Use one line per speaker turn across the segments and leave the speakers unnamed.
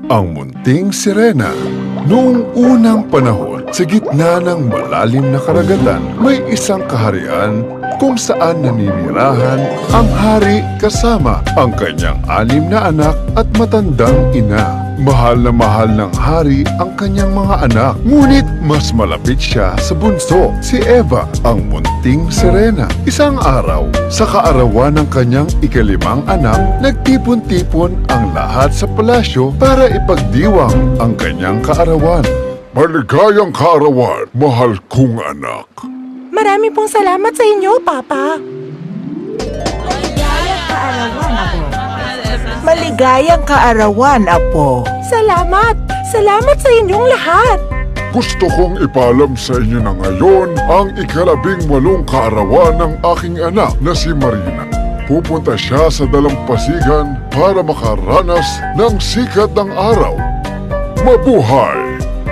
Ang munting sirena. Noong unang panahon, sa gitna ng malalim na karagatan, may isang kaharian kung saan naninirahan ang hari kasama ang kanyang 6 na anak at matandang ina. Mahal ng hari ang kanyang mga anak, ngunit mas malapit siya sa bunso, si Eva, ang munting sirena. Isang araw, sa kaarawan ng kanyang ika-5 anak, nagtipon-tipon ang lahat sa palasyo para ipagdiwang ang kanyang kaarawan. Maligayang kaarawan, mahal kong anak.
Marami pong salamat sa inyo, Papa.
Maligayang kaarawan, Apo.
Salamat! Salamat sa inyong lahat!
Gusto kong ipaalam sa inyo na ngayon ang ika-18 kaarawan ng aking anak na si Marina. Pupunta siya sa dalampasigan para makaranas ng sikat ng araw. Mabuhay!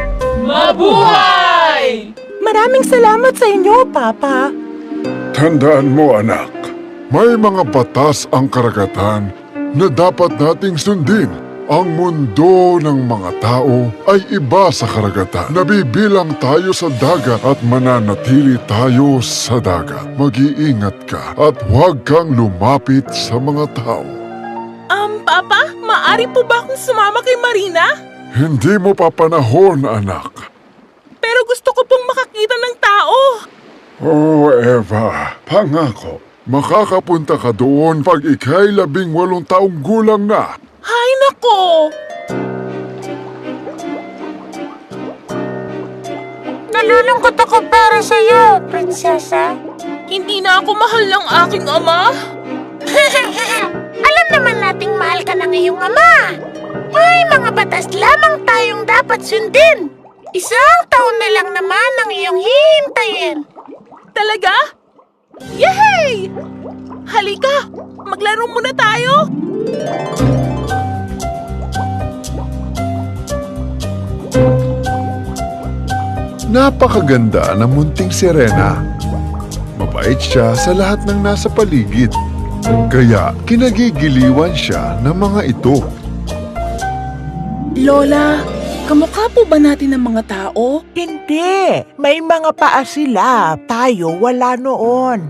Mabuhay!
Maraming salamat sa inyo, Papa.
Tandaan mo, anak, may mga batas ang karagatan na dapat nating sundin. Ang mundo ng mga tao ay iba sa karagatan. Nabibilang tayo sa dagat at mananatili tayo sa dagat. Mag-iingat ka at huwag kang lumapit sa mga tao.
Papa, maaari po ba akong sumama kay Marina?
Hindi mo pa panahon, anak.
Pero gusto ko pong makakita ng tao.
Oh, Eva, pangako. Makakapunta ka doon pag ika'y 18 taong gulang na.
Hay nako!
Nalulungkot ako para sa iyo, prinsesa.
Hindi na ako mahal ng aking ama.
Alam naman nating mahal ka ng iyong ama. May mga batas lamang tayong dapat sundin. 1 taon na lang naman ang iyong hihintayin.
Talaga? Yehey! Halika, maglaro muna tayo.
Napakaganda ng munting sirena. Mabait siya sa lahat ng nasa paligid. Kaya kinagigiliwan siya ng mga ito.
Lola, kamukha po ba natin ng mga tao?
Hindi. May mga paa sila. Tayo wala noon.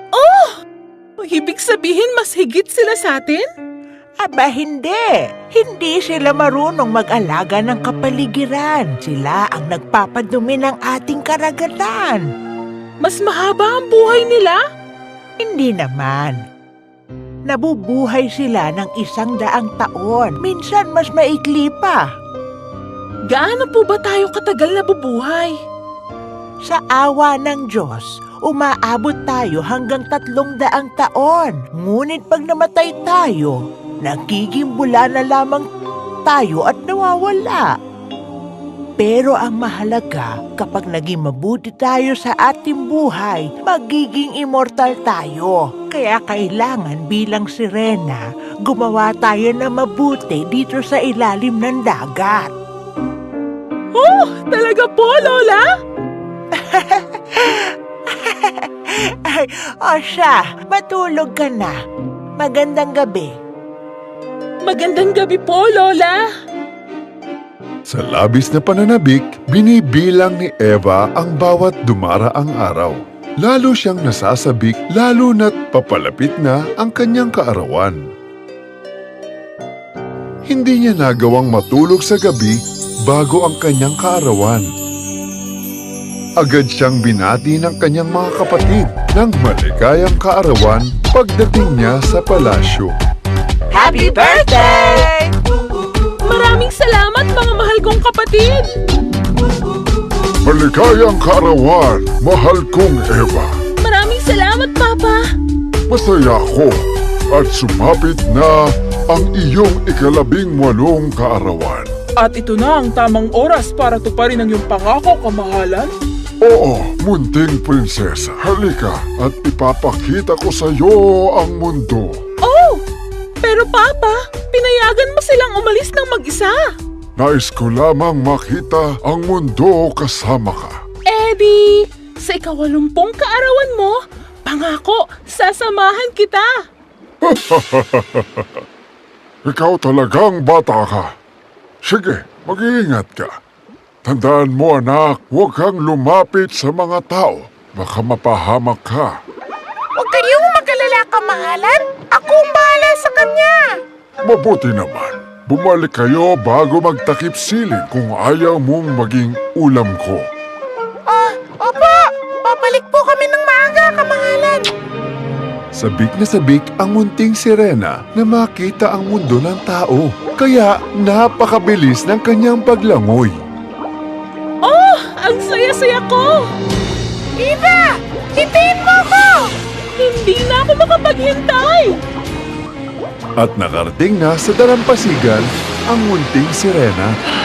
Ibig sabihin mas higit sila sa atin?
Aba, hindi. Hindi sila marunong mag-alaga ng kapaligiran. Sila ang nagpapadumi ng ating karagatan.
Mas mahaba ang buhay nila?
Hindi naman. Nabubuhay sila ng 100 taon. Minsan mas maikli pa.
Gaano po ba tayo katagal nabubuhay?
Sa awa ng Diyos, umaabot tayo hanggang 300 taon. Ngunit pag namatay tayo, nagiging bula na lamang tayo at nawawala. Pero ang mahalaga, kapag naging mabuti tayo sa ating buhay, magiging immortal tayo. Kaya kailangan bilang sirena, gumawa tayo na mabuti dito sa ilalim ng dagat.
Oh, talaga po, Lola?
Ay, o siya, matulog ka na. Magandang gabi.
Magandang gabi po, Lola.
Sa labis na pananabik, binibilang ni Eva ang bawat dumaraang araw. Lalo siyang nasasabik, lalo na't papalapit na ang kanyang kaarawan. Hindi niya nagawang matulog sa gabi bago ang kanyang kaarawan. Agad siyang binati ng kanyang mga kapatid ng maligayang kaarawan pagdating niya sa palasyo.
Happy birthday!
Maraming salamat mga mahal kong kapatid.
Maligayang kaarawan, mahal kong Eva.
Maraming salamat, Papa.
Masaya ako at sumapit na ang iyong ika-18 kaarawan.
At ito na ang tamang oras para tuparin ang iyong pangako, kamahalan.
Oo, munting prinsesa. Halika at ipapakita ko sa iyo ang mundo.
Oh! Pero Papa, pinayagan mo silang umalis ng mag-isa.
Nais ko lamang makita ang mundo kasama ka.
Eddie, sa ika-80 kaarawan mo, pangako, sasamahan kita.
Ikaw talagang bata ka. Sige, mag-iingat ka. Tandaan mo anak, huwag kang lumapit sa mga tao. Baka mapahamak ka.
Huwag kayong mag-alala, kamahalan. Ako ang bahala sa kanya.
Mabuti naman. Bumalik kayo bago magtakip siling kung ayaw mong maging ulam ko.
Opo. Babalik po kami ng maaga, kamahalan.
Sabik na sabik ang munting sirena na makita ang mundo ng tao. Kaya napakabilis ng kanyang paglangoy.
Oh, ang saya-saya ko!
Eva! Hintayin mo ako!
Hindi na ako makapaghintay!
At nakarating na sa dalampasigan ang munting sirena.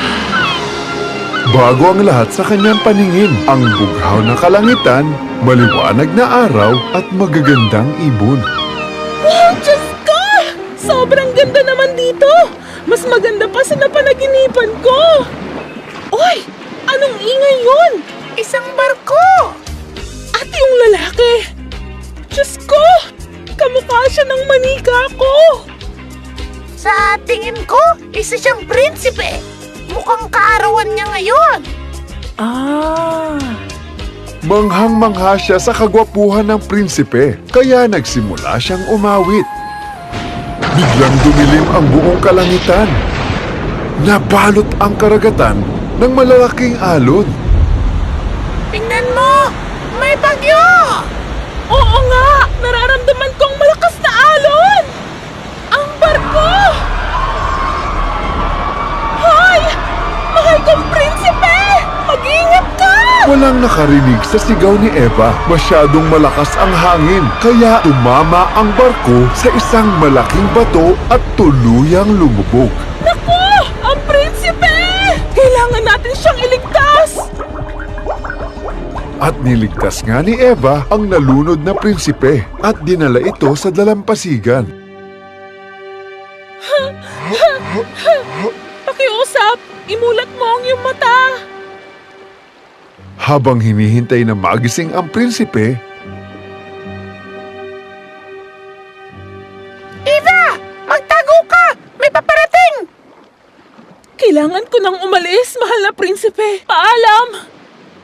Bago ang lahat sa kanyang paningin, ang bughaw ng kalangitan, maliwanag na araw at magagandang ibon.
Wow, Diyos ko! Sobrang ganda naman dito! Mas maganda pa sa napanaginipan ko! Uy! Anong ingay yun?
Isang barko!
At yung lalaki! Diyos ko! Kamukha siya ng manika ko!
Sa tingin ko, isa siyang prinsipe. Mukhang kaarawan niya ngayon.
Ah!
Manghang-mangha siya sa kagwapuhan ng prinsipe, kaya nagsimula siyang umawit. Biglang dumilim ang buong kalangitan. Nabalot ang karagatan ng malalaking alon.
Tingnan mo! May bagyo!
Oo nga! Nararamdaman kong malakas na alon! Ang barko! Hoy! Mahal kong prinsipe! Mag-ingat ka!
Walang nakarinig sa sigaw ni Eva. Masyadong malakas ang hangin, kaya tumama ang barko sa isang malaking bato at tuluyang lumubog.
Naku! Ang prinsipe! Kailangan natin siyang iligtas!
At niligtas nga ni Eva ang nalunod na prinsipe at dinala ito sa dalampasigan.
Pakiusap! Imulat mo ang iyong mata!
Habang hinihintay na magising ang prinsipe,
Eva! Magtago ka! May paparating!
Kailangan ko nang umalis, mahal na prinsipe. Paalam!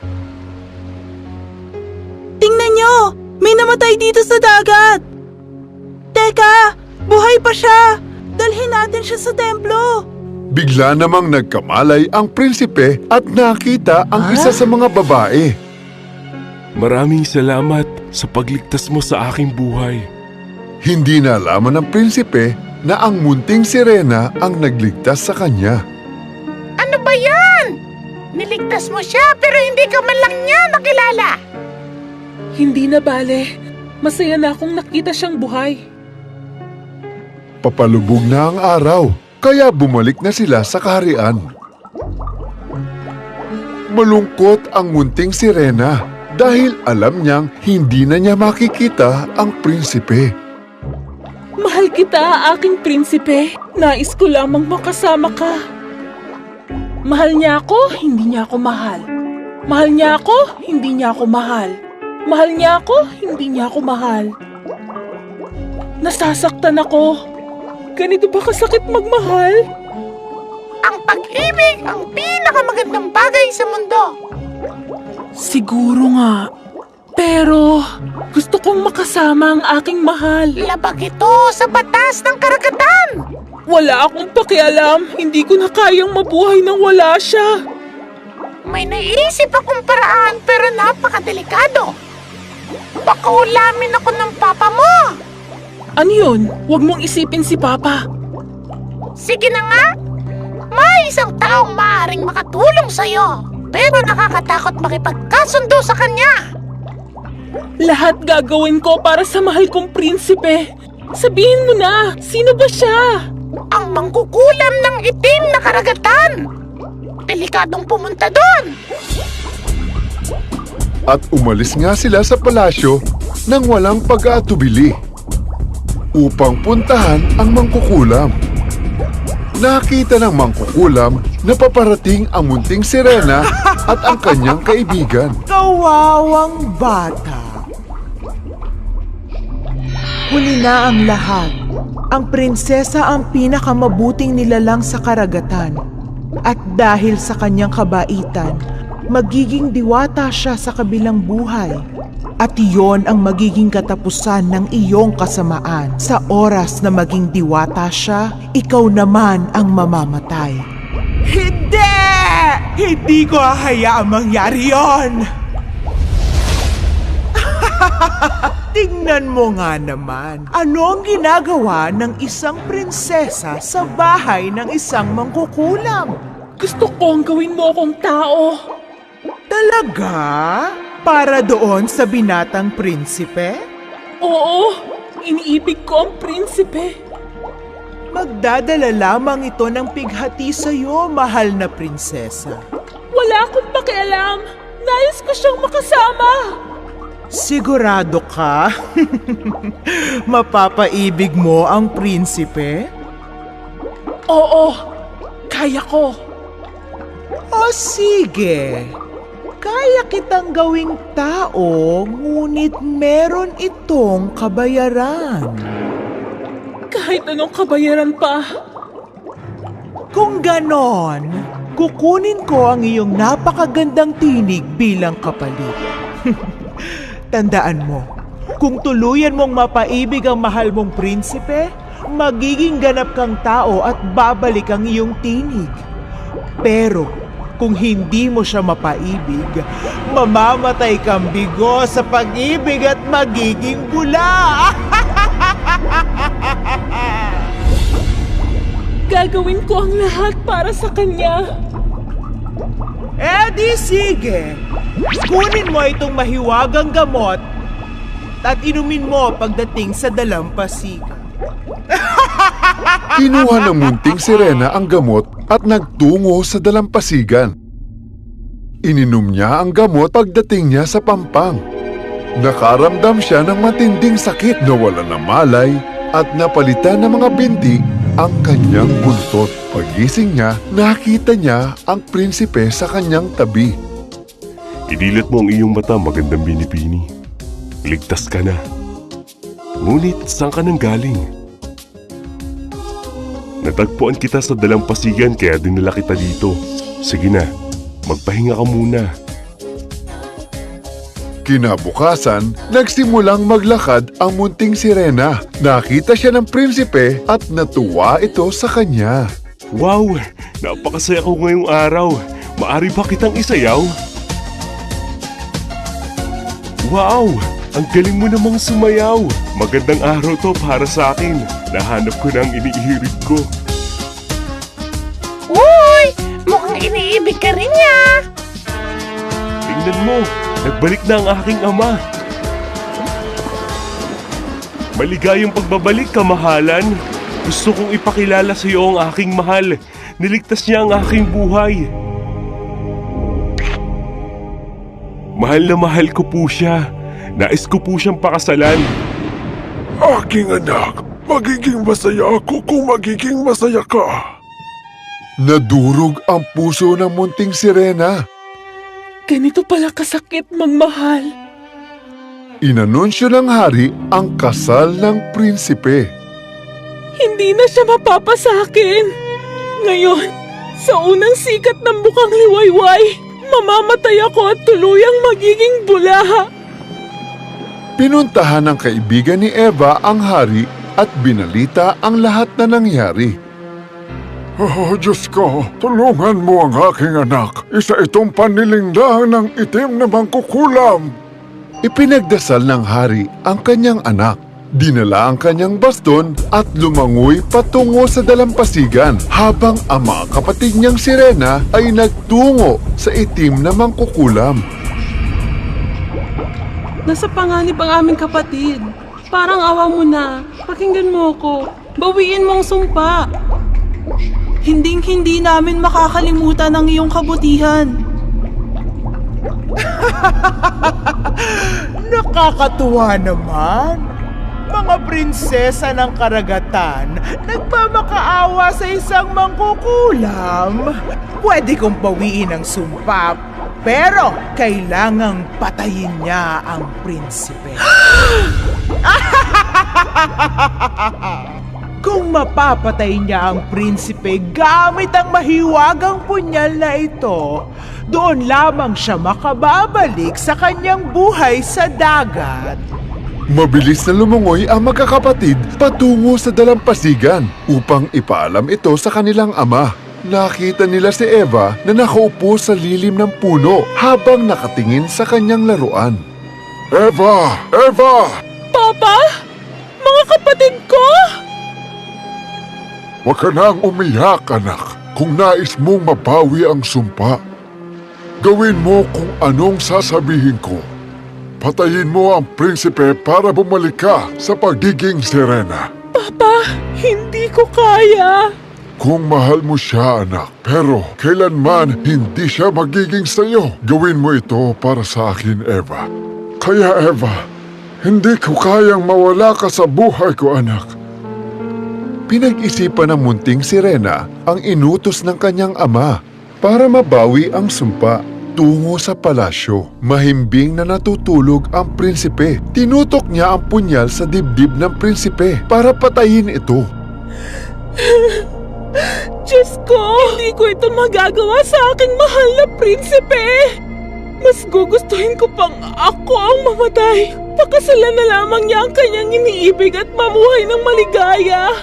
Tingnan nyo! May namatay dito sa dagat! Teka! Buhay pa siya! Dalhin natin siya sa templo!
bigla namang nagkamalay ang prinsipe at nakita ang isa sa mga babae.
Maraming salamat sa pagligtas mo sa aking buhay.
Hindi nalaman ng prinsipe na ang munting sirena ang nagligtas sa kanya.
Ano ba yan? Niligtas mo siya pero hindi ka man lang niya nakilala.
Hindi na bale. Masaya na akong nakita siyang buhay.
Papalubog na ang araw, kaya bumalik na sila sa kaharian. Malungkot ang munting sirena dahil alam niyang hindi na niya makikita ang prinsipe.
Mahal kita, aking prinsipe. Nais ko lamang makasama ka. Mahal niya ako, hindi niya ako mahal. Mahal niya ako, hindi niya ako mahal. Mahal niya ako, hindi niya ako mahal. Nasasaktan ako. Ganito ba kasakit magmahal?
Ang pag-ibig ang pinakamagandang bagay sa mundo.
Siguro nga. Pero gusto kong makasama ang aking mahal.
Labag ito sa batas ng karagatan.
Wala akong pakialam. Hindi ko na kayang mabuhay nang wala siya.
May naisip akong paraan pero napakadelikado. Baka ulamin ako ng papa mo.
Ano yun? Huwag mong isipin si Papa.
Sige na nga. May isang taong maaaring makatulong sa'yo. Pero nakakatakot makipagkasundo sa kanya.
Lahat gagawin ko para sa mahal kong prinsipe. Sabihin mo na, sino ba siya?
Ang mangkukulam ng itim na karagatan. Delikadong pumunta doon.
At umalis nga sila sa palasyo nang walang pag-aatubili upang puntahan ang mangkukulam. Nakita ng mangkukulam na paparating ang munting sirena at ang kanyang kaibigan.
Kawawang bata. Huli na ang lahat. Ang prinsesa ang pinakamabuting nilalang sa karagatan. At dahil sa kanyang kabaitan, magiging diwata siya sa kabilang buhay. At iyon ang magiging katapusan ng iyong kasamaan. Sa oras na maging diwata siya, ikaw naman ang mamamatay. Hindi! Hindi ko hahayaang mangyari yon! Tingnan mo nga naman, ano ang ginagawa ng isang prinsesa sa bahay ng isang mangkukulam?
Gusto kong gawin mo akong tao.
Talaga? Para doon sa binatang prinsipe?
Oo, iniibig ko ang prinsipe.
Magdadala lamang ito ng pighati sa'yo, mahal na prinsesa.
Wala akong pakialam. Nais ko siyang makasama.
Sigurado ka? Mapapaibig mo ang prinsipe?
Oo, kaya ko.
O sige, kaya kitang gawing tao, ngunit meron itong kabayaran.
Kahit anong kabayaran pa.
Kung ganon, kukunin ko ang iyong napakagandang tinig bilang kapalit. Tandaan mo, kung tuluyan mong mapaibig ang mahal mong prinsipe, magiging ganap kang tao at babalik ang iyong tinig. Pero kung hindi mo siya mapaibig, mamamatay kang bigo sa pag-ibig at magiging bula.
Gagawin ko ang lahat para sa kanya.
Di sige. Kunin mo itong mahiwagang gamot at inumin mo pagdating sa dalampasigan.
Kinuha ng munting sirena ang gamot at nagtungo sa dalampasigan. Ininom niya ang gamot pagdating niya sa pampang. Nakaramdam siya ng matinding sakit na wala ng malay at napalitan ng mga binti ang kanyang buntot. Pagising niya, nakita niya ang prinsipe sa kanyang tabi.
Idilat mo ang iyong mata, magandang binipini. Ligtas ka na. Ngunit saan ka nang galing? Natagpuan kita sa dalampasigan kaya dinala kita dito. Sige na, magpahinga ka muna.
Kinabukasan, nagsimulang maglakad ang munting sirena. Nakita siya ng prinsipe at natuwa ito sa kanya.
Wow! Napakasaya ko ngayong araw. Maari ba kitang isayaw? Wow! Ang galing mo namang sumayaw. Magandang araw to para sa akin. Nahanap ko na ang iniihirig ko.
Uy! Mukhang iniibig ka rin niya.
Tingnan mo, nagbalik na ang aking ama. Maligayang pagbabalik, kamahalan. Gusto kong ipakilala sa iyo ang aking mahal. Niligtas niya ang aking buhay. Mahal na mahal ko po siya. Nais ko po siyang pakasalan.
Aking anak, magiging masaya ako kung magiging masaya ka. Nadurog ang puso ng munting sirena.
Ganito pala kasakit magmahal.
Inanunsyo ng hari ang kasal ng prinsipe.
Hindi na siya mapapa sa akin. Ngayon, sa unang sikat ng bukang liwayway, mamamatay ako at tuluyang magiging bulaha.
Pinuntahan ng kaibigan ni Eva ang hari at binalita ang lahat na nangyari. Oh, Diyos ko, tulungan mo ang aking anak. Isa itong panilinglang ng itim na mangkukulam. Ipinagdasal ng hari ang kanyang anak. Dinala ang kanyang baston at lumangoy patungo sa dalampasigan habang ang mga kapatid niyang sirena ay nagtungo sa itim na mangkukulam.
Nasa panganib ang aming kapatid. Parang awa mo na. Pakinggan mo ako. Bawiin mong sumpa. Hinding-hindi namin makakalimutan ang iyong kabutihan.
Nakakatuwa naman. Mga prinsesa ng karagatan, nagmamakaawa sa isang mangkukulam. Pwede kong bawiin ang sumpa, pero kailangang patayin niya ang prinsipe. Kung mapapatay niya ang prinsipe gamit ang mahiwagang punyal na ito, doon lamang siya makababalik sa kanyang buhay sa dagat.
Mabilis na lumungoy ang magkakapatid patungo sa dalampasigan upang ipaalam ito sa kanilang ama. Nakita nila si Eva na nakaupo sa lilim ng puno habang nakatingin sa kanyang laruan. Eva! Eva!
Papa? Mga kapatid ko?
Huwag ka nang umiyak, anak. Kung nais mong mabawi ang sumpa, gawin mo kung anong sasabihin ko. Patayin mo ang prinsipe para bumalik ka sa pagiging sirena.
Papa, hindi ko kaya.
Kung mahal mo siya, anak, pero kailanman hindi siya magiging sayo. Gawin mo ito para sa akin, Eva. Kaya, Eva, hindi ko kayang mawala ka sa buhay ko, anak. Pinag-isipan ng munting sirena ang inutos ng kanyang ama para mabawi ang sumpa. Tungo sa palasyo, mahimbing na natutulog ang prinsipe. Tinutok niya ang punyal sa dibdib ng prinsipe para patayin ito.
Diyos ko, hindi ko ito magagawa sa aking mahal na prinsipe. Mas gugustuhin ko pang ako ang mamatay. Pakasalan na lamang niya ang kanyang iniibig at mamuhay ng maligaya.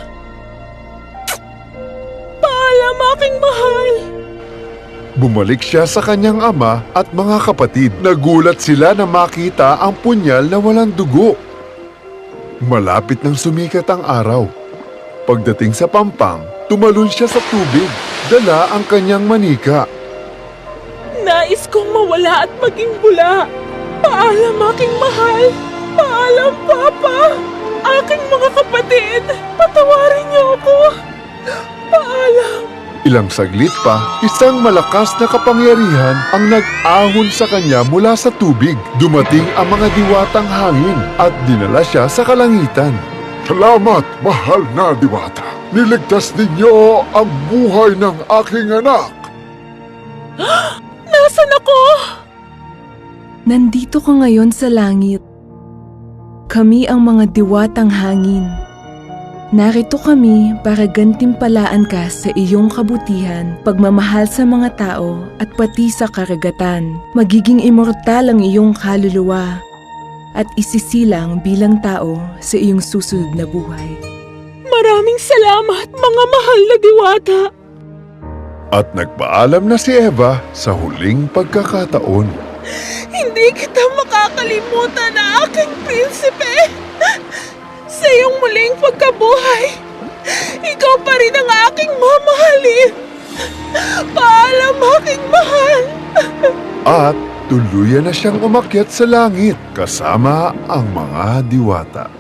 Paalam, aking mahal.
Bumalik siya sa kanyang ama at mga kapatid. Nagulat sila na makita ang punyal na walang dugo. Malapit nang sumikat ang araw. Pagdating sa pampang, tumalon siya sa tubig. Dala ang kanyang manika.
Nais kong mawala at maging bula. Paalam, aking mahal. Paalam, Papa. Aking mga kapatid, patawarin niyo ako. Paalam.
Ilang saglit pa, isang malakas na kapangyarihan ang nag-ahon sa kanya mula sa tubig. Dumating ang mga diwatang hangin at dinala siya sa kalangitan. Salamat, mahal na diwata. Niligtas ninyo ang buhay ng aking anak.
Nasaan ako?
Nandito ka ngayon sa langit. Kami ang mga diwatang hangin. Narito kami para gantimpalaan ka sa iyong kabutihan, pagmamahal sa mga tao at pati sa karagatan. Magiging immortal ang iyong kaluluwa at isisilang bilang tao sa iyong susunod na buhay.
Maraming salamat, mga mahal na diwata.
At nagpaalam na si Eva sa huling pagkakataon.
Hindi kita makakalimutan na aking prinsipe. Sa iyong muling pagkabuhay, ikaw pa rin ang aking mamahalin. Paalam, aking mahal.
At tuluyan na siyang umakyat sa langit kasama ang mga diwata.